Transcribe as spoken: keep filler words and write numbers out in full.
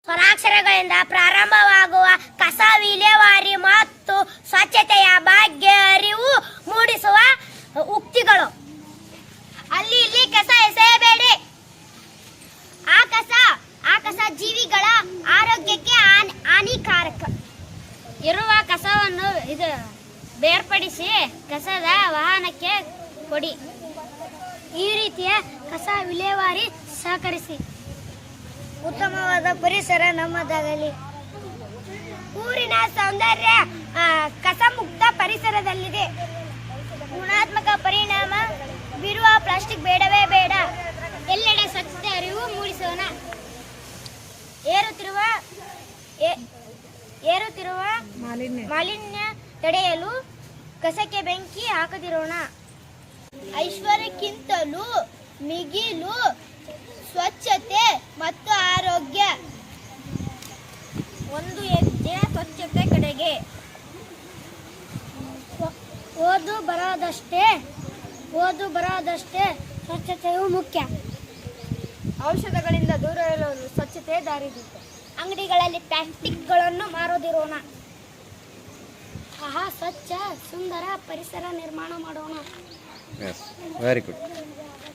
ಸ್ವರಾಕ್ಷರಗಳಿಂದ ಪ್ರಾರಂಭವಾಗುವ ಕಸ ವಿಲೇವಾರಿ ಮತ್ತು ಸ್ವಚ್ಛತೆಯ ಬಗ್ಗೆ ಅರಿವು ಮೂಡಿಸುವ ಉಕ್ತಿಗಳು. ಅಲ್ಲಿ ಇಲ್ಲಿ ಕಸ ಎಸೆಯಬೇಡಿ. ಆ ಕಸ ಆ ಕಸ ಜೀವಿಗಳ ಆರೋಗ್ಯಕ್ಕೆ ಹಾನಿಕಾರಕ. ಇರುವ ಕಸವನ್ನು ಇದು ಬೇರ್ಪಡಿಸಿ ಕಸದ ವಾಹನಕ್ಕೆ ಕೊಡಿ. ಈ ರೀತಿಯ ಕಸ ವಿಲೇವಾರಿ ಸಹಕರಿಸಿ. ಉತ್ತಮವಾದ ಪರಿಸರ ನಮ್ಮದಾಗಲಿ. ಊರಿನ ಸೌಂದರ್ಯ ಕಸಮುಕ್ತ ಪರಿಸರದಲ್ಲಿದೆ. ಗುಣಾತ್ಮಕ ಪರಿಣಾಮ ಬೀರುವ ಪ್ಲಾಸ್ಟಿಕ್ ಬೇಡವೇ ಬೇಡ. ಎಲ್ಲೆಡೆ ಸ್ವಚ್ಛತೆ ಅರಿವು ಮೂಡಿಸೋಣ. ಏರುತ್ತಿರುವ ಏರುತ್ತಿರುವ ಮಾಲಿನ್ಯ ತಡೆಯಲು ಕಸಕ್ಕೆ ಬೆಂಕಿ ಹಾಕದಿರೋಣ. ಐಶ್ವರ್ಯಕ್ಕಿಂತಲೂ ಮಿಗಿಲು ಸ್ವಚ್ಛತೆ ಮತ್ತು ಆರೋಗ್ಯ. ಒಂದು ಹೆಜ್ಜೆ ಸ್ವಚ್ಛತೆ ಕಡೆಗೆ. ಓದು ಬರೋದಷ್ಟೇ ಓದು ಬರೋದಷ್ಟೇ ಸ್ವಚ್ಛತೆಯು ಮುಖ್ಯ. ಔಷಧಗಳಿಂದ ದೂರ ಇರಲು ಸ್ವಚ್ಛತೆ ದಾರಿದೀಪ. ಅಂಗಡಿಗಳಲ್ಲಿ ಪ್ಲಾಸ್ಟಿಕ್ಗಳನ್ನು ಮಾರೋದಿರೋಣ. ಆಹಾ, ಸ್ವಚ್ಛ ಸುಂದರ ಪರಿಸರ ನಿರ್ಮಾಣ ಮಾಡೋಣ. Very good.